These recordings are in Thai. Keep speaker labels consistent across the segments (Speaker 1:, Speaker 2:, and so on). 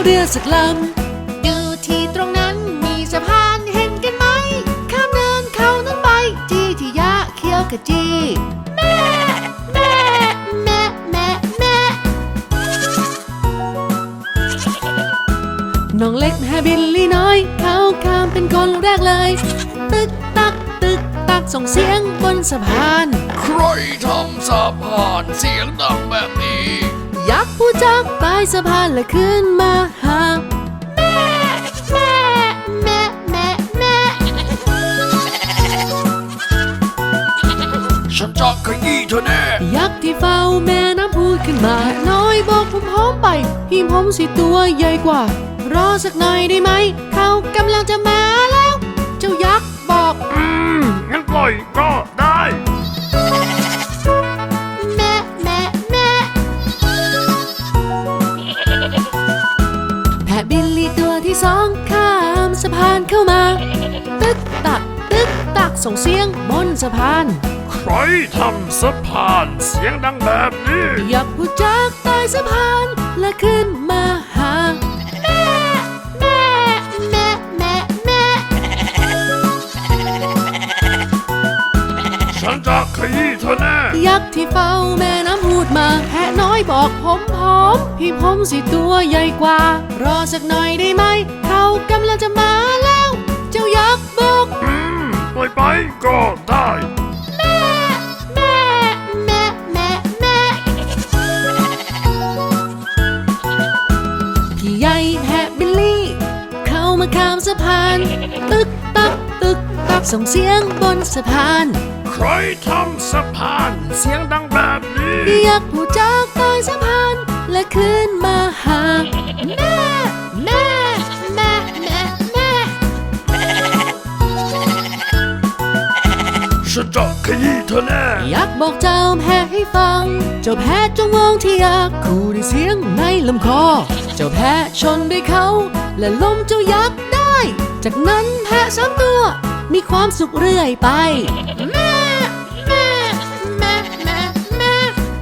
Speaker 1: เรือสักลำดูที่ตรงนั้นมีสะพานเห็นกันไหมข้ามเนินเขานั้นไปที่ยะเขียวขจีแม่แม่แม่แม่แม่น้องเล็กแม่บิลลี่น้อยเขาข้ามเป็นคนแรกเลยตึกตักตึกตักส่งเสียงบนสะพาน
Speaker 2: ใครทำสะพานเสียงดังแบบนี้
Speaker 1: ยักษ์ผู้จากใต้สะพานและขึ้นมาหาแม่แม่แม่แม่แม่
Speaker 2: ฉันจะขยี้เธอแน่
Speaker 1: ยักษ์ที่เฝ้าแม่น้ำพูดขึ้นมาน้อยบอกผมพร้อมไปพี่ผมสิตัวใหญ่กว่ารอสักหน่อยได้ไหมเขากำลังจะมาแล้วเจ้ายักษ์บอก
Speaker 2: งั้นปล่อยก็ได้
Speaker 1: แม่แม่แม่แพะบิลลี่ตัวที่สองข้ามสะพานเข้ามาตึกตักตึกตักส่งเสียงบนสะพาน
Speaker 2: ใครทำสะพานเสียงดังแบบนี้
Speaker 1: ยักษ์ผู้จากใต้สะพานและขึ้นมาหาแม่แม่แม่แม่แม่
Speaker 2: ฉันจะขยี้เธอแน่
Speaker 1: ยักษ์ที่เฝ้าแม่น้ำพูดมาแพะน้อยบอกผมพร้อมพี่ผมสิตัวใหญ่กว่ารอสักหน่อยได้ไหมเขากำลังจะมาแล้วเจ้ายักษ์บอก
Speaker 2: ปล่อยไปก็ได้
Speaker 1: แม่แม่แม่แม่แม่พี่ใหญ่แพะบิลลี่เข้ามาข้ามสะพานตึกตักตึกตักส่งเสียงบนสะพาน
Speaker 2: ใครทำสะพานเสียงดังแบบนี้
Speaker 1: ยักษ์ผู้จากใต้สะพานและขึ้นมาหาแม่แม่แม่แม่แม่
Speaker 2: ฉันจะขยี้เธอแน่
Speaker 1: ยักษ์บอกเจ้าแพะให้ฟังเจ้าแพะจงมองที่ยักษ์คู่ด้วยเสียงในลำคอเจ้าแพะชนด้วยเขาและล้มเจ้ายักษ์ได้จากนั้นแพะสามตัวมีความสุขเรื่อยไปแม่แม่แม่แม่แม่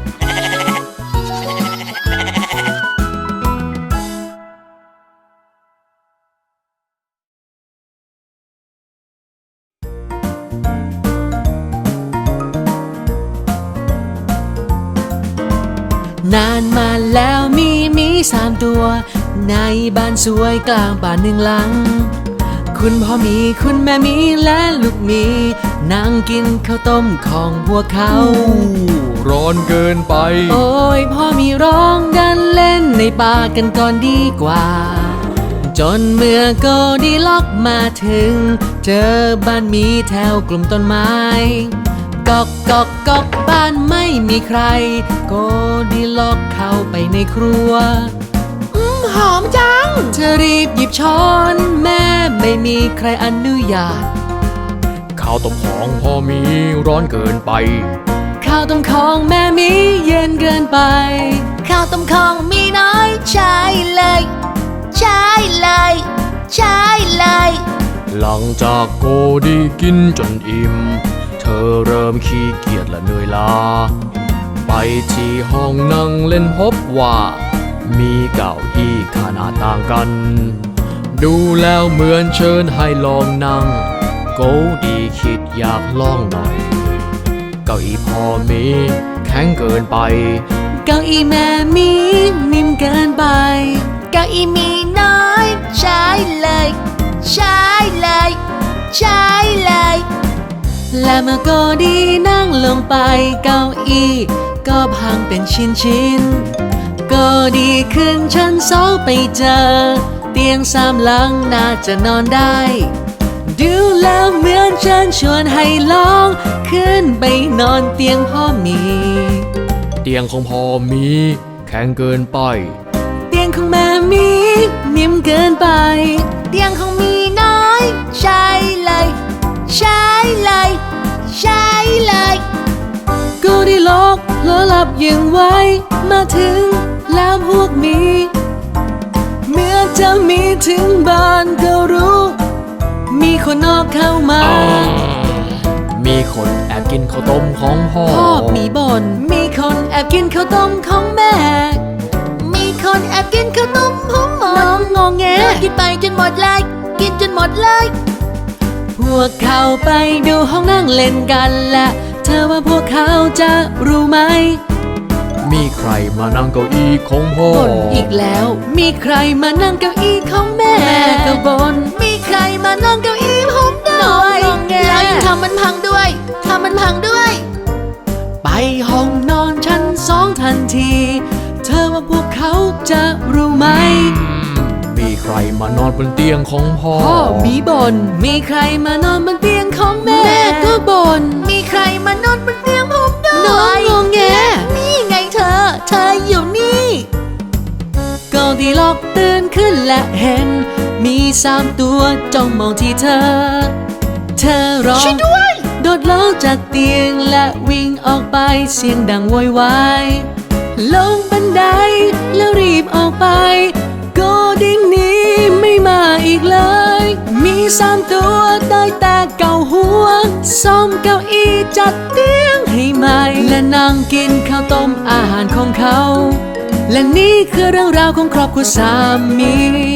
Speaker 1: นานมาแล้วมี3 ตัวในบ้านสวยกลางป่าหนึ่งหลังคุณพ่อมีคุณแม่มีและลูกมีนั่งกินข้าวต้มของพวกเขา
Speaker 2: ร้อนเกินไป
Speaker 1: โอ้ยพ่อมีร้องดันเล่นในป่ากันก่อนดีกว่าจนเมื่อโกดีล็อกมาถึงเจอบ้านมีแถวกลุ่มต้นไม้ก๊อกก๊อกก๊อกบ้านไม่มีใครโกดีล็อกเข้าไปในครัวหอมจังเธอรีบหยิบช้อนแม่ไม่มีใครอนุญาต
Speaker 2: ข้าวต้มของพ่อมีร้อนเกินไป
Speaker 1: ข้าวต้มของแม่มีเย็นเกินไปข้าวต้มของมีน้อยใช่เลยใช่เลยใช่เลย
Speaker 2: หลังจากโกดีกินจนอิ่มเธอเริ่มขี้เกียจและเหนื่อยล้าไปที่ห้องนั่งเล่นพบว่ามีเก้าอี้ขนาดต่างกันดูแล้วเหมือนเชิญให้ลองนั่งโกดีคิดอยากลองหน่อยเก้าอี้พ่อมีแข็งเกินไป
Speaker 1: เก้าอี้แม่มีนิ่มเกินไปเก้าอี้มีน้อยใช่เลยใช่เลยใช่เลยและเมื่อโกดีนั่งลงไปเก้าอี้ก็พังเป็นชิ้นก็ดีขึ้นชั้น2ไปเจอเตียง3 หลังน่าจะนอนได้ดูแล้วเหมือนเชิญชวนให้ลองขึ้นไปนอนเตียงพ่อมี
Speaker 2: เตียงของพ่อมีแข็งเกินไป
Speaker 1: เตียงของแม่มีนิ่มเกินไปเตียงของมีน้อยใช่เลยใช่เลยใช่เลยก็ได้ล็อกเผลอหลับยังไว้มาถึงแล้วพวกมีเมื่อจะมีถึงบ้านก็รู้มีคนนอกเข้ามา
Speaker 2: มีคนแอบกินข้าวต้มของพ่อ
Speaker 1: มีบ่นมีคนแอบกินข้าวต้มของแม่มีคนแอบกินขนมของน้องกินไปจนหมดเลยกินจนหมดเลยพวกเขาไปดูห้องนั่งเล่นกันและเธอว่าพวกเขาจะรู้ไหม
Speaker 2: มีใครมานั่งเก้าอี้ของพ่อ
Speaker 1: บ่นอีกแล้วมีใครมานั่งเก้าอี้ของแม่ก็บ่นมีใครมานั่งเก้าอี้ผมด้วยแล้วยังทำมันพังด้วยทำมันพังด้วยไปห้องนอนชั้น2ทันทีเธอว่าพวกเขาจะรู้ไหม
Speaker 2: มีใครมานอนบนเตียงของพ่อ
Speaker 1: มีบ่นมีใครมานอนบนเตียงของแม่ก็บ่นมีใครมานอนบนเตียงผมด้วยน้องงงแงนี่ไงเธออยู่นี่ก็ดีล็อกตื่นขึ้นและเห็นมี3 ตัวจ้องมองที่เธอร้องช่วยด้วยโดดลงจากเตียงและวิ่งออกไปเสียงดังโวยวายลงบันไดแล้วรีบออกไปก็ดิ้งนี้ไม่มาอีกเลยมี3 ตัวได้แต่เกาหัวซ่อมเก้าอี้จัดเตียงให้ใหม่และนั่งกินข้าวต้มอาหารของเขาและนี่คือเรื่องราวของครอบครัวสามี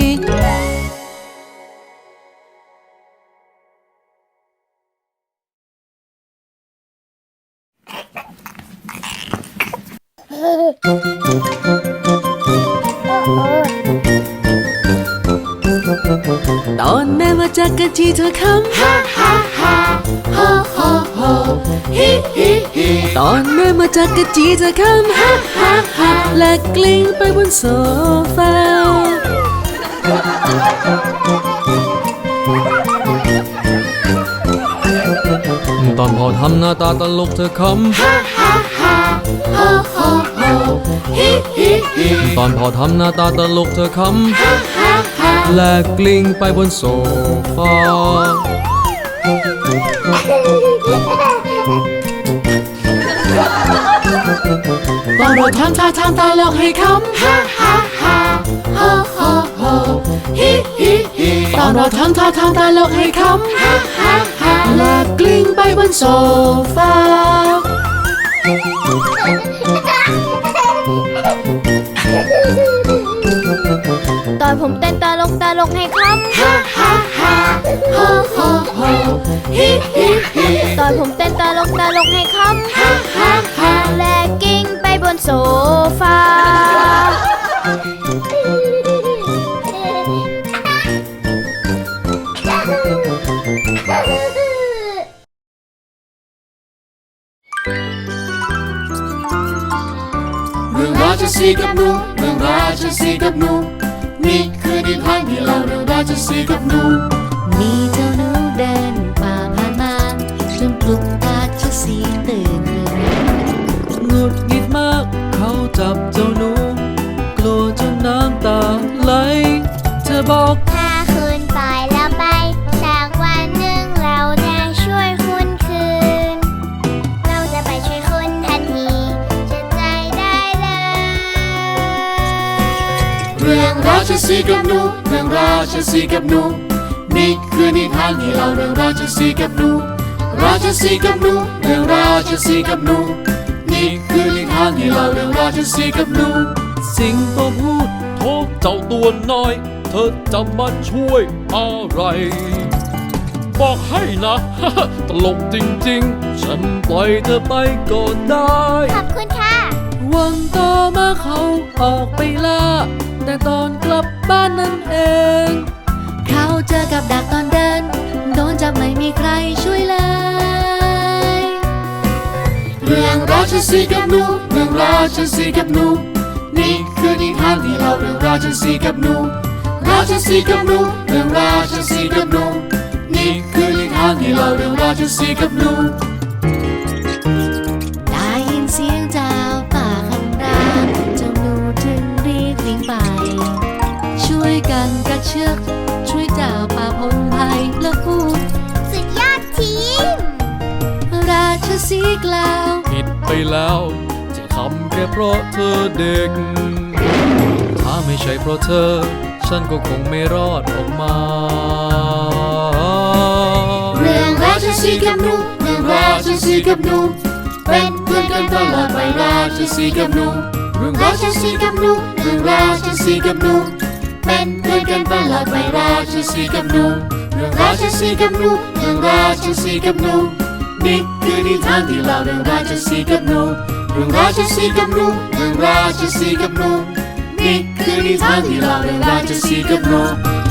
Speaker 1: ตอนแม่มาจากกะทิเธอคำฮ่าฮ่าฮ่าโฮโฮโฮฮิฮิฮิตอนแม่มาจากกะทิเธอคำฮ่าฮ่าฮ่าและกลิ้งไปบนโซฟา
Speaker 2: ตอนพ่อทำหน้าตาตลกเธอคำฮ่าฮ่าฮ่าโฮโฮโฮฮิฮิฮิตอนพ่อทำหน้าตาตลกเธอคำฮ่าฮ่าฮ่าและกลิ้งไปบนโซฟา
Speaker 1: ตอนเราทำตาลกให้คำฮ่าฮ่าฮ่าโฮโฮโฮฮิฮิฮิตอนเราทำตาลกให้คำฮ่าฮ่าฮ่าและกลิ้งไปบนโซฟา
Speaker 3: ตอนผมเต้นตาลกให้คำฮ่าฮ่าฮ่าโฮโฮโฮฮิฮิฮิตอนผมเต้นตาลกให้คำฮ่าฮ่าฮ่าและกิ้งไปบนโซฟา
Speaker 1: เรื่องราชสีห์กับหนูเรื่องราชสีห์กับหนูนี่คือนิทานที่เล่าเรื่องราชสีห์กับหนูมีเจ้าหนูเดินป่าผ่านมาจนปลุกราชสีห์ตื่นขึ้นหงุดหงิดมากเขาจับเจ้าหนูกลัวจนน้ำตาไหลเธอบอก
Speaker 3: ถ้าคุณปล่อยเราไปสักวันหนึ่งเราจะช่วยคุณคืนเราจะไปช่วยคุณทันทีจะใจได้เลย
Speaker 1: เรื่องราชสีห์กับหนูเรื่องราชสีห์กับหนูนี่คือนิทานที่เล่าเรื่องราชสีห์กับหนูราชสีห์กับหนูเรื่องราชสีห์กับหนูนี่คือนิทานที่เล่าเรื่องราชสีห์กับหนู
Speaker 2: สิงโตพูดโทษเจ้าตัวน้อยเธอจะมาช่วยอะไรบอกให้นะ ตลกจริงๆฉันปล่อยเธอไปก็ได้
Speaker 3: ขอบคุณค่ะ
Speaker 1: วันต่อมาเขาออกไปล่าแต่ตอนกลับบ้านนั่นเองเขาเจอกับดักตอนเดินโดนจับไม่มีใครช่วยเลยเรื่องราชสีห์กับหนูเรื่องราชสีห์กับหนูนี่คือนิทานที่เล่าเรื่องราชสีห์กับหนูราชสีห์กับหนูเรื่องราชสีห์กับหนูนี่คือนิทานที่เล่าเรื่องราชสีห์กับหนูได้ยินเสียงเจ้าป่าคำรามเจ้าหนูจึงรีบวิ่งไปช่วยกันกระเชือกช่วยเจ้าป่าพงไพรและพูด
Speaker 3: สุดยอดทีม
Speaker 1: ราชสีห์กล่าว
Speaker 2: ผิดไปแล้วที่ทำแค่เพราะเธอเด็กถ้าไม่ใช่เพราะเธอฉันก็คงไม่รอดออกมา
Speaker 1: เรื่องราชสีห์กับหนูเรื่องราชสีห์กับหนูเป็นเพื่อนกันตลอดไปราชสีห์กับหนูเรื่องราชสีห์กับหนูเรื่องราชสีห์กับหนูเป็นเพื่อนกันตลอดไปราชสีห์กับหนูเรื่องราชสีห์กับหนูเรื่องราชสีห์กับหนูนี่คือนิทานที่เล่าเรื่องราชสีห์กับหนูเรื่องราชสีห์กับหนูเรื่องราชสีห์กับหนูนี่คือนิทานที่เล่าเรื่องราชสีห์กับหนู